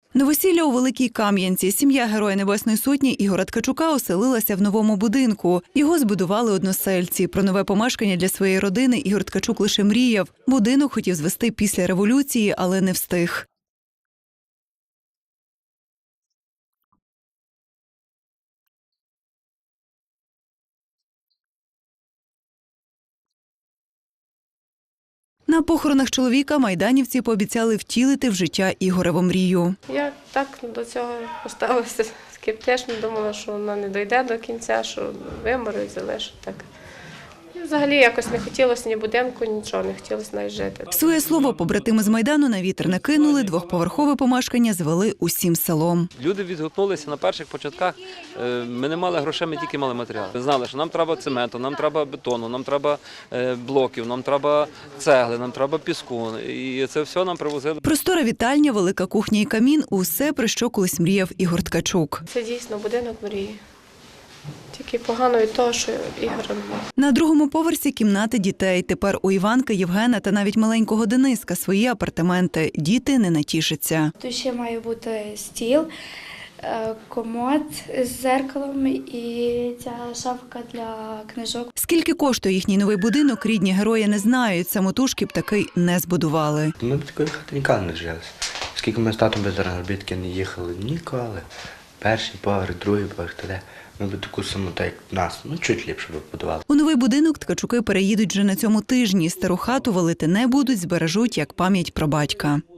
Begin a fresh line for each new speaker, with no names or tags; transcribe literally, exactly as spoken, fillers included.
Новосілля у Великій Кам'янці. Сім'я Героя Небесної Сотні Ігоря Ткачука оселилася в новому будинку. Його збудували односельці. Про нове помешкання для своєї родини Ігор Ткачук лише мріяв. Будинок хотів звести після революції, але не встиг. На похоронах чоловіка майданівці пообіцяли втілити в життя Ігореву мрію.
Я так до цього поставилася скептично, думала, що вона не дійде до кінця, що вимору і залишить так. І взагалі якось не хотілося ні будинку, нічого, не хотілося навіть жити.
Своє слово побратими з Майдану на вітер не кинули, двохповерхове помешкання звели усім селом.
Люди відгукнулися на перших початках. Ми не мали грошей, ми тільки мали матеріал. Ми знали, що нам треба цементу, нам треба бетону, нам треба блоків, нам треба цегли, нам треба піску. І це все нам привозили.
Простора вітальня, велика кухня і камін – усе, про що колись мріяв Ігор Ткачук.
Це дійсно будинок мрії. Тільки погано від того, що Ігора немає.
На другому поверсі кімнати дітей. Тепер у Іванки, Євгена та навіть маленького Дениска свої апартаменти. Діти не натішаться.
Тут ще має бути стіл, комод з дзеркалом і ця шафка для книжок.
Скільки коштує їхній новий будинок, рідні герої не знають. Самотужки б такий не збудували.
Ми б такої хати ніколи не жили. Скільки ми з татом без заробітки не їхали, ніколи. Перший поверх, другий поверх, туди. Ми б таку саму, так як нас, ну чуть ліпше б будували.
У новий будинок Ткачуки переїдуть вже на цьому тижні. Стару хату валити не будуть, збережуть як пам'ять про батька.